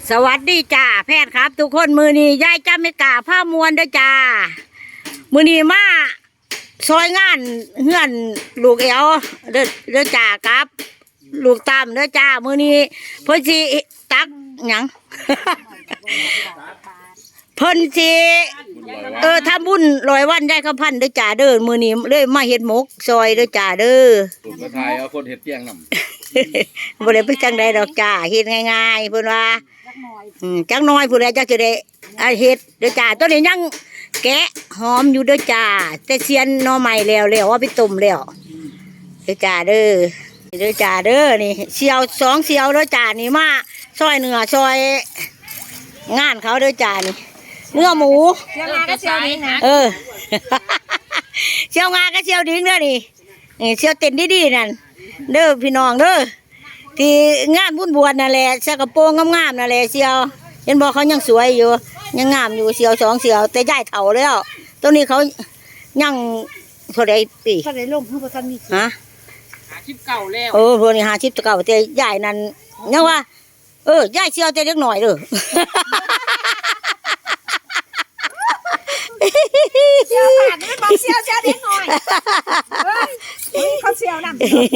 สวัสดีจ้าแพทย์ครับทุกคนมือนี้ยายจ้าไม่กล้าผ้ามวนเด้อจ้ามือนี้มาซอยงานเฮือนลูกเอวเด้อจ้าครับ ลูกตามเด้อจ้ามือนี้เพิ่นสิตักหยัง เพิ่นสิทำบุญ100 วันได้ข้าวพันเด้อจ้าเด้อมือนี้เลยมาเฮ็ดหมกซอยเด้อจ้าเด้อผมก็ทายเอาคนเฮ็ดเตียงนำบ่ได้ไปจังใดดอกจ้าเฮ็ดง่ายๆเพิ่นว่าจักน้อยผู้ใดจักจะได้เฮ็ดเด้อจ้าตัวนี้ยังแกะหอมอยู่เด้อจ้าแต่เสียนหน่อใหม่แล้วว่าไปต้มแล้วเด้อจ้าเด้อจ้าเด้อนี่เสียว2เสียวเด้อจ้านี่มาซอยเนื้อซอยงานเขาเด้อจ้านี่เนื้อหมูเชียวงาก็เชียวดิ้งนะเชียวงาก็เชียวดิ้งเด้อนี่เชียวเต้นดีๆนั่นเด้อพี่น้องเด้อที่งานบุญบวชนั่นแหละใส่กระโปรงงามๆนั่นแหละเชียวเห็นบอกเขายังสวยอยู่ยังงามอยู่เชียว2เชียวแต่ย้ายเฒ่าแล้วตัวนี้เขายังเท่าใดปีเท่าไหร่ลงเพิ่งทันมีฮะ 50 เก่าแล้วพวกนี้50เก่าแต่ย้ายนั่นยังว่าย้ายเชียวแต่เล็กหน่อยเด้อเชียวขาดไม่บอกเชียวเด็กหน่อยเขาเชียวนั่น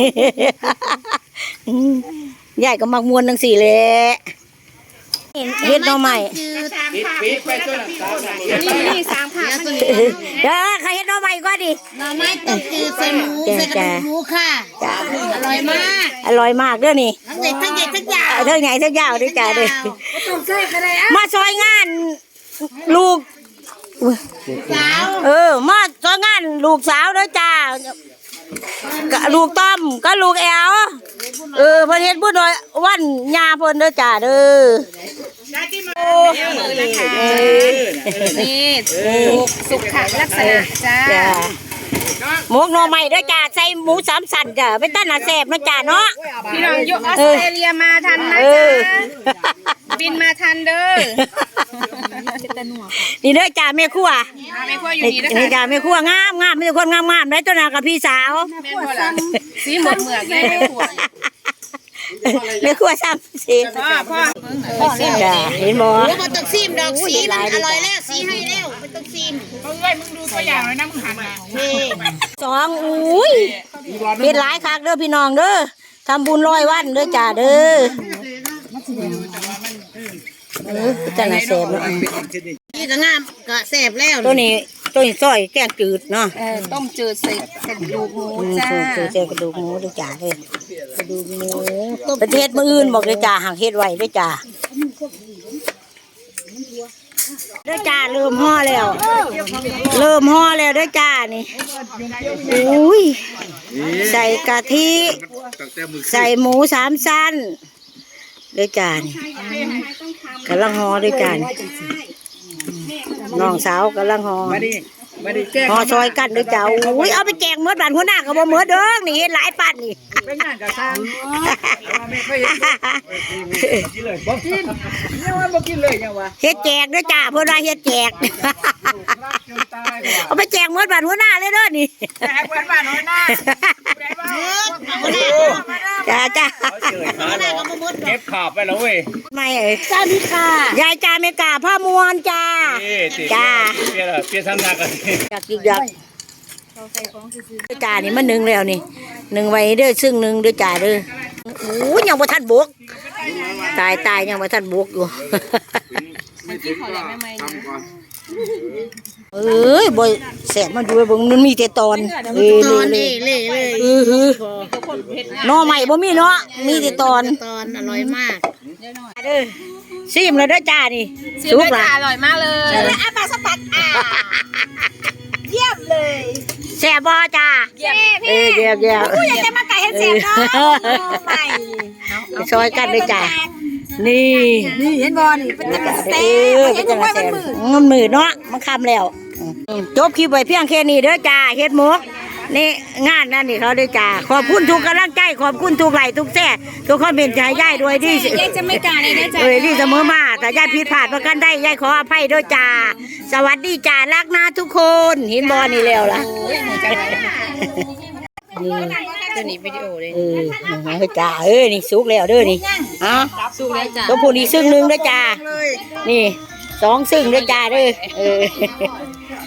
ใหญ่ก็มักมวนทั้ง4แหละเฮ็ดหน่อไม้ปิดไปตัวนั้นนี่3ผักตัวนี้ใครเฮ็ดหน่อไม้ก็ดิหน่อไม้ต้มจืดใส่หมูใส่กระดูกหมูค่ะอร่อยมากเด้อนี่ทั้งใหญ่ทั้งยาวทั้งใหญ่ทั้งยาวด้วยจ้าเด้อต้องใส่อะไรมาซอยงานลูกสาวมาซอยงานลูกสาวเด้อจ้าลูกต้อมก็ลูกแอวเพิ่นเฮ็ดบุญวันยาเพิ่นเด้อจ้าเด้อนี่สุขลักษณะจ้าหมกหน่อไม้เด้อจ้าใส่หมู3สันจ้าเป็นต้นน่ะแซ่บเนาะจ้าเนาะพี่น้องอยู่ออสเตรเลียมาทันนะจ้าบินมาทันเด้อนี่เด้อจ้าแม่ครัวอยู่นี่นะคะนี่จ้าแม่ครัวงามมีแต่คนงามๆได้ตัวน่ะกับพี่สาวสีเหมือกเลยแม่ครัวซ้ำสิพ่อจ้าเห็นบ่บ่ต้องซีมดอกสีมันอร่อยแล้วสีให้แล้วไม่ต้องซีมมึงดูตัวอย่างเลยนะมึงหันมาอุ้ยเฮ็ดหลายคักเด้อพี่น้องเด้อทำบุญ100 วันเด้อจ้าเด้อจะน่าแซ่บเนาะนี่ก็งามก็แซ่บแล้วตัวนี้ซอยแกงจืดเนาะต้มจืดใส่กระดูกหมูจ้าใส่กระดูกหมูเด้อจ้าเด้อกระดูกหมูประเทศมื้ออื่นบอกเด้อจ้าหางเฮ็ดไว้เด้อจ้าเด้อจ้าเริ่มห่อแล้วเด้อจ้านี่อุ้ยใส่กะทิใส่หมู3 ชั้นเด้อจ้านี่กำลังห่อเด้อจ้าน้องสาวกำลังห่อซอยกันเด้อจ้าอุ้ยเอาไปแจกเมื่อบ้านหัวหน้าก็บ่เมื่อเด้อนี่เฮ็ดหลายปันนี่เป็นงานกะซ่าไม่เคยเห็นกินเลยบ่กินยังว่าบ่กินเลยยังว่าเฮ็ดแจกเด้อจ้าเพิ่นว่าเฮ็ดแจกเอาไปแจกเมื่อบ้านหัวหน้าเลยเด้อนี่แจกเมื่อบ้านหัวหน้าจ้าเก็บขาบไปแล้วเว้ยไม่จ้าพี่ค่ะยายจ้าไม่กล้าผ้ามวนจ้าจ้าเปลี่ยนทำหนักกันอยากจ้านี่มัน1แล้วนี่1ไว้เด้อซึ่ง1เด้อจ้าเด้อโอ้ยังบ่ทันบกตายยังบ่ทันบกอยู่บ่แสบมันดูเบิ่งมันมีแต่ตอนหน่อใหม่บ่มีเนาะมีแต่ตอนอร่อยมากเด้อซิมแล้วเด้อจ้านี่สุกละอร่อยมากเลยอาปลาสตัดเยี่ยมเลยแซ่บบ่จ้าเยี่ยมอยากจะมาไก่ให้แซ่บเนาะใหม่ซอยกันด้วยจ้านี่เห็นบ่นี่เป็นตะกะแซ่บเห็นว่ามันมือเนาะมันคำแล้วจบคลิปไว้เพียงแค่นี้เด้อจ้าเฮ็ดหมกนี่งานนั่นนี่เขาด้วยจ้าขอบคุณทุกกำลังใจขอบคุณทุกไลค์ทุกแซ่ทุกคอมเมนต์ใจย่ายด้วยที่ย่ายจะไม่กล้าเลยนะจ้าที่เสมอมาแต่ย่ายผิดพลาดประกันได้ย่ายขออภัยด้วยจ้าสวัสดีจ้ารักนะทุกคนเห็นบ่นี่แล้วล่ะนี่ตัวนี้วิดีโอเลยจ้านี่สุกแล้วเด้อนี่อ่ะสู้แล้วจ้ะตัวผู้นี่ซึ่งหนึ่งเด้อจ้านี่2ซึ่งเด้อจ้าเด้อ